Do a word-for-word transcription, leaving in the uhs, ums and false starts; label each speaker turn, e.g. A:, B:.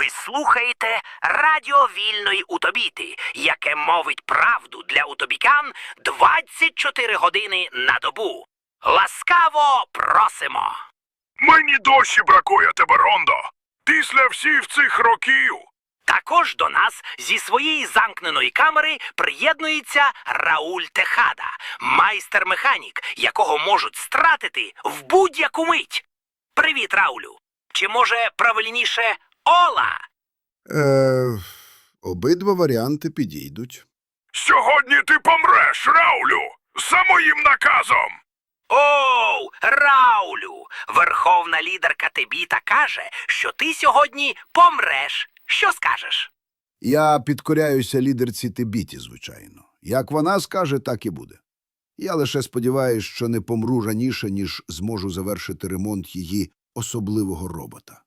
A: Ви слухаєте Радіо Вільної Утобіти, яке мовить правду для утобікан двадцять чотири години на добу. Ласкаво просимо!
B: Мені досі бракує тебе, Рондо. Після всіх цих років.
A: Також до нас зі своєї замкненої камери приєднується Рауль Техада, майстер-механік, якого можуть стратити в будь-яку мить. Привіт, Раулю! Чи може правильніше Ола?
C: Е, обидва варіанти підійдуть.
B: Сьогодні ти помреш, Раулю, за моїм наказом.
A: Оу, Раулю! Верховна лідерка Тебіта каже, що ти сьогодні помреш. Що скажеш?
C: Я підкоряюся лідерці Тебіті, звичайно. Як вона скаже, так і буде. Я лише сподіваюся, що не помру раніше, ніж зможу завершити ремонт її особливого робота.